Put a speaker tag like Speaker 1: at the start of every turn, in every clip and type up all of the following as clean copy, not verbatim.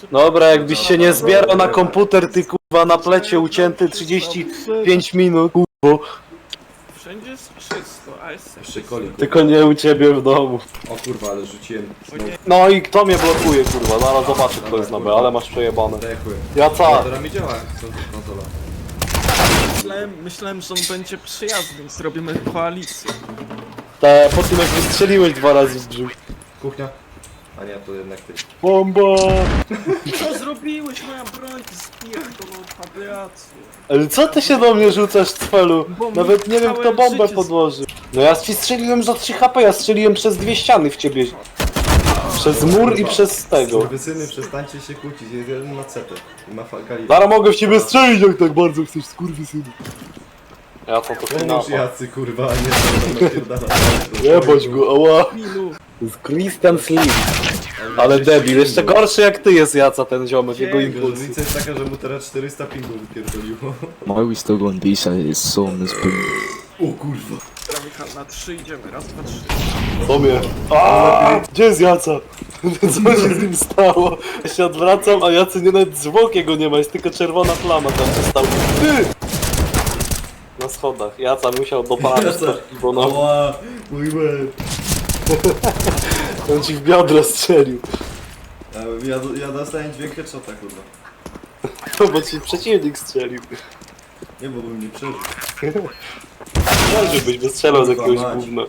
Speaker 1: Dobra, jakbyś się nie zbierał na komputer, ty kurwa na plecie ucięty 35 minut, kurwa.
Speaker 2: Wszędzie jest czysto, a jest
Speaker 3: Jeszcze Koli, kurwa.
Speaker 1: Tylko nie u ciebie w domu.
Speaker 3: O kurwa, ale rzuciłem znowu.
Speaker 1: No i kto mnie blokuje, kurwa? Zaraz zobaczę kto jest na B, ale masz przejebane.
Speaker 3: Dekuję.
Speaker 1: Jaca!
Speaker 3: Teraz mi działa konsola.
Speaker 2: Myślałem, że on będzie przyjazny, zrobimy koalicję.
Speaker 1: Te, po tym jak wystrzeliłeś 2 razy w brzuch.
Speaker 3: Kuchnia? A nie, to jednak ty.
Speaker 1: Bomba!
Speaker 2: Co zrobiłeś, moja broń, ty spierdolą radiację.
Speaker 1: Ale co ty się do mnie rzucasz, cfelu?
Speaker 2: Bo mi
Speaker 1: Nawet nie wiem kto
Speaker 2: całe
Speaker 1: bombę
Speaker 2: życie
Speaker 1: podłożył. No ja ci strzeliłem za 3 HP, ja strzeliłem przez 2 ściany w ciebie. Przez mur i przez tego.
Speaker 3: Syny, przestańcie się kłócić, jest jeden ma cetę i ma falkali.
Speaker 1: Zaraz mogę w ciebie strzelić jak tak bardzo chcesz, skurwysynu. Ja to
Speaker 3: Pomóż
Speaker 1: finała.
Speaker 3: jacy kurwa, a nie to napierdala.
Speaker 1: Jebać go, ała.
Speaker 2: Milu,
Speaker 1: To jest Christian Slim. Ale debil, jeszcze gorszy jak ty jest Jaca ten ziomek, jego impuls.
Speaker 3: Różnica jest taka, że mu teraz 400 pingów wypierdoliło.
Speaker 4: Why we still going decent? It's so misbehaved.
Speaker 3: O kurwa.
Speaker 2: Michał, na 3 idziemy, raz, dwa, 3.
Speaker 1: To mnie. Aaaa! Gdzie jest Jaca? Co się z nim stało? Ja się odwracam, a Jacy nie nawet zwłok jego nie ma, jest tylko czerwona plama tam się stał. Ty! Na schodach. Jaca musiał dopalać to, bo no,
Speaker 3: Ała, mój łeb.
Speaker 1: on ci w biodro strzelił.
Speaker 3: Ja dostałem dźwięk headshota kurwa.
Speaker 1: To bo ci przeciwnik strzelił.
Speaker 3: Nie, bo bym nie przeżył.
Speaker 1: Nie, żebyś wystrzelał z jakiegoś
Speaker 3: Kurwa, mać.
Speaker 1: gówna.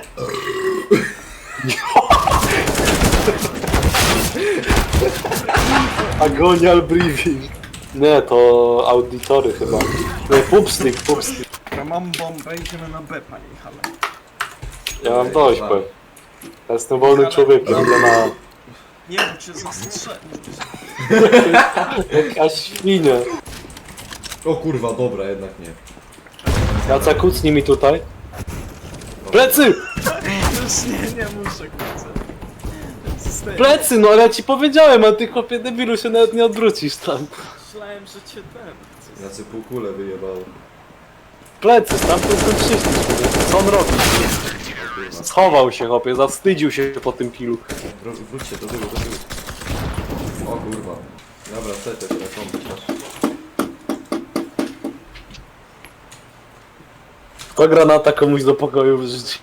Speaker 1: Agonial briefing. Nie, to auditory chyba. Nie, pupstick, pupstick.
Speaker 2: Ja mam bombę, idziemy na B, panie Michale.
Speaker 1: Ja mam dość, bo ja jestem wolnym człowiekiem, idę na...
Speaker 2: Nie, bo cię zastrzelił.
Speaker 1: Jakaś świnia.
Speaker 3: O kurwa, dobra, jednak nie.
Speaker 1: Jaca, kucnij mi tutaj. Plecy!
Speaker 2: Już nie muszę, kurczę. Zostaję.
Speaker 1: Plecy, no ale ja ci powiedziałem, a ty chłopie debilu się nawet nie odwrócisz tam.
Speaker 2: Myślałem, że cię ten...
Speaker 3: Znaczy półkulę wyjebało.
Speaker 1: Plecy, stamtąd ten przyszliśmy. Co on robi? Schował się chłopie, zawstydził się po tym kilu.
Speaker 3: Wróćcie do tyłu, do tyłu. O kurwa. Dobra, setę, telefon, masz.
Speaker 1: Kto granata komuś do pokoju wrzucił?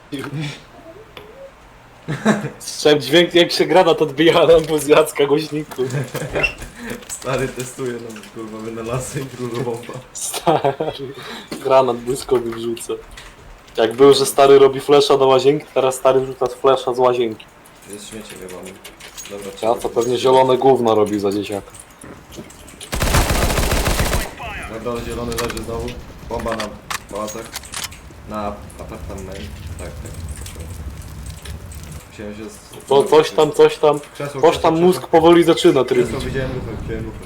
Speaker 1: Słyszałem dźwięk jak się granat odbija na z Jacka głośniku.
Speaker 3: Stary testuje nam kurwa wynalazę i królowa.
Speaker 1: Stary, granat błyskowy wrzuca. Jak był, że stary robi flesza do łazienki, teraz stary wrzuca flesza z łazienki.
Speaker 3: Jest śmiecie chyba. Dobra,
Speaker 1: Ja to pewnie zielone gówno robi za dzieciaka.
Speaker 3: Na dole zielony leży znowu. Bomba na pałacach. Na apartament. Tak, tak. Musiałem się
Speaker 1: To coś tam, coś tam mózg powoli zaczyna trybić.
Speaker 3: Krzesło widziałem lufę, widziałem lufę.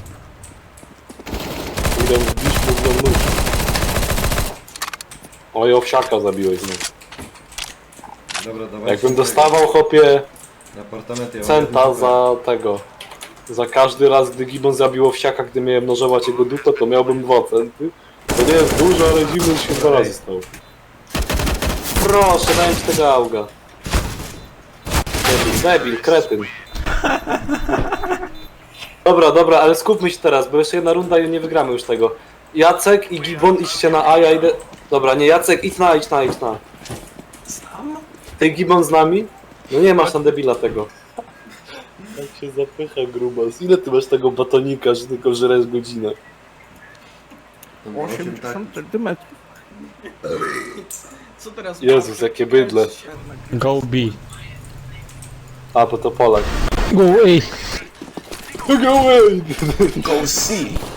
Speaker 1: Idę wbić mózg do nóg. Oj, owsiaka zabiłeś znów.
Speaker 3: Dobra, dawaj.
Speaker 1: Jakbym dostawał chłopie
Speaker 3: Na apartament ja mam
Speaker 1: centa
Speaker 3: jedną
Speaker 1: za tego. Za każdy raz, gdy Gibbon zabił owsiaka, gdy miałem nożować jego dupę, to miałbym 2 centy. To nie jest dużo, ale Gibbon się 2 razy stał. Proszę, daj mi tego auga. Debil, kretyn. Dobra, ale skupmy się teraz, bo jeszcze jedna runda i nie wygramy już tego. Jacek i Gibbon idźcie na A, ja idę... Dobra, nie, Jacek, idź na.
Speaker 2: Sam?
Speaker 1: Ty Gibbon z nami? No nie masz tam debila tego. Jak się zapycha grubas. Ile ty masz tego batonika, że tylko żresz godzinę?
Speaker 2: 80 centymetrów. Co teraz?
Speaker 1: Jezus, jakie bydle.
Speaker 4: Go B.
Speaker 1: A, bo to Polak.
Speaker 4: Go A.
Speaker 1: Go away!
Speaker 4: Go C.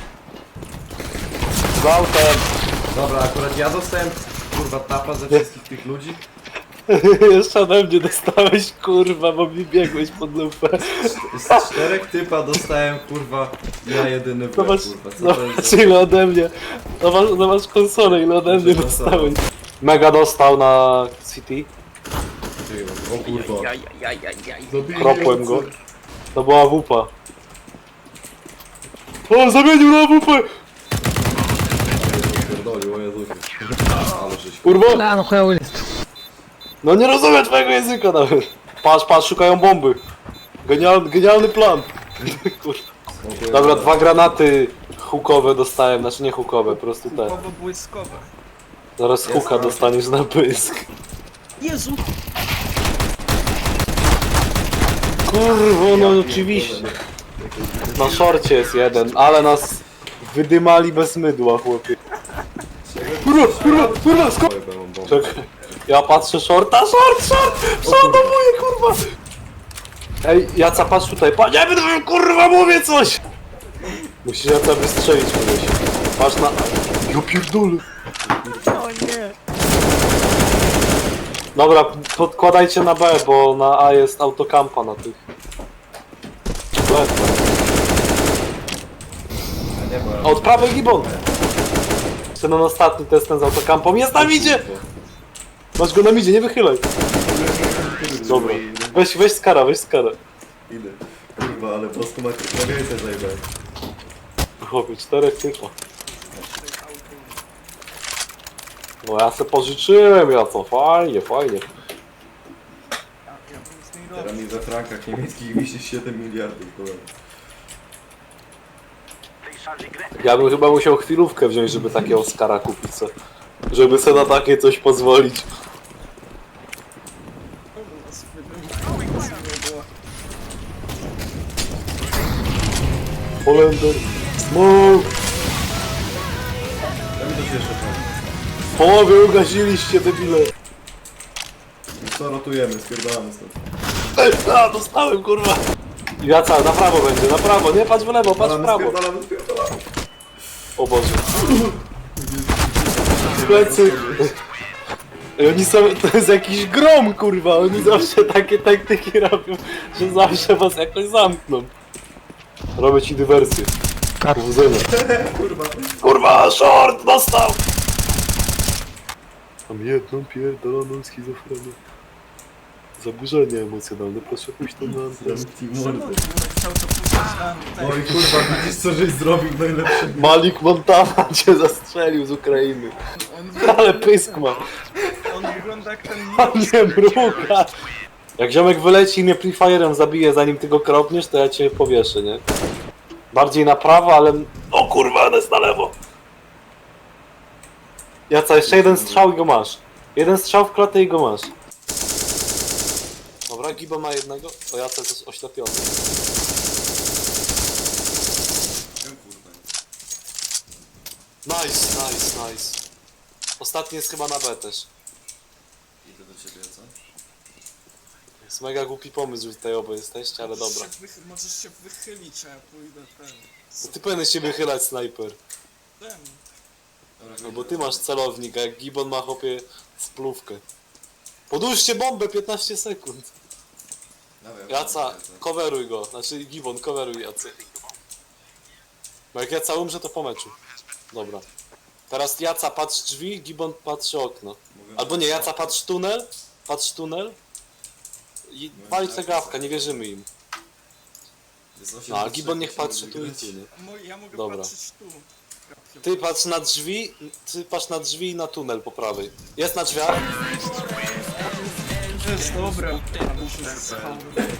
Speaker 1: Z autem!
Speaker 3: Dobra, akurat ja dostałem kurwa tapa ze wszystkich tych ludzi.
Speaker 1: Jeszcze ode mnie dostałeś, kurwa, bo mi biegłeś pod lupę.
Speaker 3: Z 4 typa dostałem kurwa ja jedyny w łeb,
Speaker 1: Zobacz,
Speaker 3: kurwa. Co to jest
Speaker 1: zobacz
Speaker 3: za...
Speaker 1: ile ode mnie. Zobacz konsolę, ile ode mnie dostałeś. Mega dostał na City.
Speaker 3: O kurwa. Zabiję
Speaker 1: Kropłem
Speaker 3: ojca.
Speaker 1: go. To była wupa. O, zamienił na wupę!
Speaker 3: Pierdolił, o Jezusie. Ale żeś
Speaker 1: Kurwa!
Speaker 4: لا انا اخويا ولد.
Speaker 1: No nie rozumiem twojego języka nawet. Patrz, szukają bomby. Genialny plan. Kurwa.
Speaker 3: Smokuję
Speaker 1: Dobra,
Speaker 3: na-
Speaker 1: 2 granaty hukowe dostałem, znaczy nie hukowe, po prostu te.
Speaker 2: Kupowo błyskowe.
Speaker 1: Zaraz
Speaker 3: Jest,
Speaker 1: huka
Speaker 3: no.
Speaker 1: dostaniesz na pysk.
Speaker 2: Jezu!
Speaker 1: Kurwo, no oczywiście. Na szorcie jest jeden, ale nas wydymali bez mydła, chłopie. Kurwa, skąd?
Speaker 3: Oj, bo mam bombę.
Speaker 1: Czekaj, ja patrzę shorta, short! Przeładowuję, kurwa! Ej, Jaca, patrz tutaj, panie, kurwa, mówię coś! Musisz Jaca wystrzelić kogoś. Patrz na... Ja pierdolę.
Speaker 2: O nie!
Speaker 1: Dobra, podkładajcie na B, bo na A jest autokampa na tych. Ledwo.
Speaker 3: A nie, bo ja...
Speaker 1: Od prawej gibon! Ten ostatni test ten z autokampą. Jest na midzie! Masz go na midzie, nie wychylaj. Dobra. Weź skara, weź skara.
Speaker 3: Idę. Kurwa, ale po prostu na więcej zajebałem.
Speaker 1: Chłopie, 4 typa. No ja se pożyczyłem, ja co, fajnie, fajnie.
Speaker 2: Ja bym z niej
Speaker 3: Teraz
Speaker 2: robił.
Speaker 3: mi we frankach niemieckich wisi 7 miliardów, kurwa.
Speaker 1: Ja bym chyba musiał chwilówkę wziąć, żeby takiego skara kupić se. Żeby se na takie coś pozwolić. Holender, smoke!
Speaker 3: Ja mi to się jeszcze powiem.
Speaker 1: Połowę ugasiliście, debile.
Speaker 3: I co, rotujemy, spierdalamy stąd.
Speaker 1: Dostałem, kurwa. Jaca, na prawo będzie, na prawo, nie patrz w lewo, patrz w prawo.
Speaker 3: Spierdalamy.
Speaker 1: O Boże. Plecy. I oni są, to jest jakiś grom, kurwa, oni zawsze takie taktyki robią, że zawsze was jakoś zamkną. Robię ci dywersję. Powodzenia.
Speaker 3: Kurwa.
Speaker 1: Kurwa, short dostał! Mam jedną pierdoloną schizofrenię. Zaburzenie emocjonalne, proszę pójść to na antenę.
Speaker 3: Zamknij
Speaker 2: Czemu
Speaker 3: mordę.
Speaker 2: chciał to puścić na antenę?
Speaker 3: Oj kurwa, widzisz co żeś zrobił najlepsze.
Speaker 1: Malik Montana cię zastrzelił z Ukrainy.
Speaker 2: On,
Speaker 1: Ale pysk ma.
Speaker 2: on wygląda jak ten
Speaker 1: A nie mruga. Jak ziomek wyleci i mnie prefire'em zabije zanim ty go kropniesz, to ja cię powieszę, nie? Bardziej na prawo, ale... O kurwa, on jest na lewo! Jaca, jeszcze jeden strzał i go masz. Jeden strzał w klatę i go masz. Dobra, Gibo ma jednego. O, Jaca jest oślepiony. Nice. Ostatni jest chyba na B też.
Speaker 3: Idę do ciebie, co?
Speaker 1: Jest mega głupi pomysł, że tutaj oboje jesteście, ale dobra.
Speaker 2: Możesz się wychylić, a ja pójdę ten.
Speaker 1: To ty powinieneś się wychylać, snajper.
Speaker 2: Ten.
Speaker 3: Dobra,
Speaker 1: No bo ty masz celownik, a jak Gibbon ma chłopie splówkę. Podłóżcie bombę 15 sekund. Jaca, coveruj go. Znaczy Gibbon, coveruj Jacy. Bo jak Jaca umrze, to po meczu. Dobra. Teraz Jaca patrz drzwi, Gibbon patrzy okno. Albo nie, Jaca patrz tunel. I wali cegawka, nie wierzymy im. No, a Gibbon niech patrzy tu i tu, nie?
Speaker 2: Ja mogę
Speaker 1: Dobra.
Speaker 2: patrzeć tu.
Speaker 1: Ty patrz na drzwi i na tunel po prawej. Jest na drzwiach.
Speaker 2: To jest dobre. A muszę schał.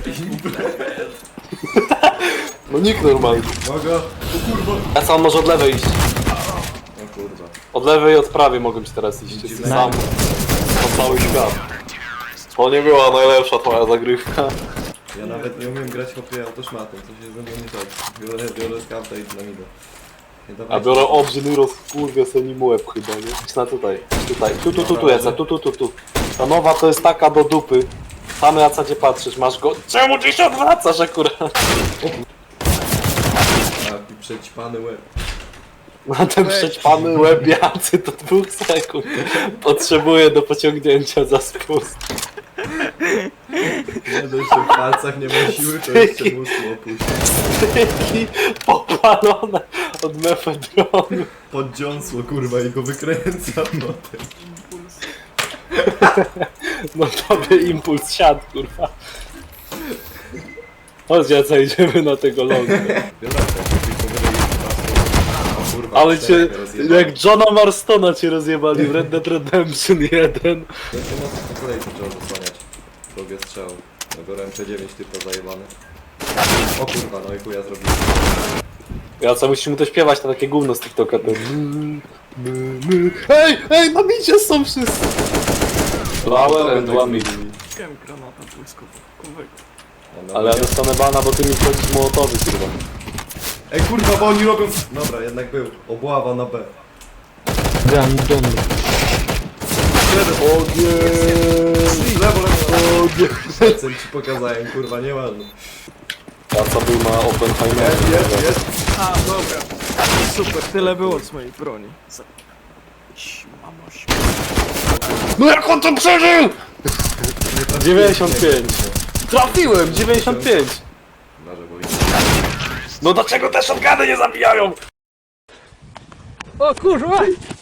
Speaker 1: No nikt normalny.
Speaker 3: Uwaga! O kurwa!
Speaker 1: Jaca, on może od lewej iść.
Speaker 3: O kurwa.
Speaker 1: Od lewej i od prawej mogą ci teraz iść. Jesteś sam. Po cały świat. To nie była najlepsza twoja zagrywka.
Speaker 3: Ja nawet nie umiem grać hopie autoszmatem, co się ze mną nie tak. Biorę skauta i dynamida. Nie,
Speaker 1: A
Speaker 3: dawajcie.
Speaker 1: biorę obrzyn i rozkurwię sobie nim łeb chyba, nie? Idź na tutaj. Tu, Jaca, tu. Ta nowa to jest taka do dupy. Tam Jaca cię patrzysz, masz go... Czemu ty się odwracasz akurat?
Speaker 3: Taki przećpany łeb.
Speaker 1: Na ten przećpany łeb Jacy to 2 sekund. Potrzebuję do pociągnięcia za spust.
Speaker 3: Nie dość, że w palcach nie ma siły, to jeszcze mózg opuści.
Speaker 1: Styki popalone od mefedronu.
Speaker 3: Poddziąsło kurwa i go wykręca potem.
Speaker 2: Impuls.
Speaker 1: No tobie impuls siadł, kurwa. Chodź, Jaca, idziemy na tego longa.
Speaker 3: O kurwa,
Speaker 1: Ale cię,
Speaker 3: czterech rozjebałem.
Speaker 1: jak Johna Marstona cię rozjebali w Red Dead Redemption 1.
Speaker 3: Będzie mocno po kolei to trzeba zasłaniać. Drugie strzał. Ja biorę MP9 typa zajebany. O kurwa, no i chuja zrobiłem.
Speaker 1: Jaca, musisz mu to śpiewać na takie gówno z TikToka. To... Ej, na micie są wszyscy! Flower and one meat.
Speaker 2: Wiem granata błyskowego.
Speaker 1: Ale ja dostanę bana, bo ty mi wchodzisz mołotowy, kurwa.
Speaker 3: Ej kurwa, bo oni robią... Dobra, jednak był. Obława na B.
Speaker 4: Random.
Speaker 1: O nie!
Speaker 3: Lewo, lewo.
Speaker 1: O nie!
Speaker 3: Lecę ci pokazałem, kurwa, nieważne.
Speaker 1: Jaca był na Oppenheimerze.
Speaker 3: Jest.
Speaker 2: A, dobra. Super, tyle było z mojej broni. Mamoś.
Speaker 1: No jak on to przeżył?! 95. Trafiłem! 95!
Speaker 3: Uważaj, bo
Speaker 1: No dlaczego te shotguny nie zabijają?
Speaker 4: O kurwa!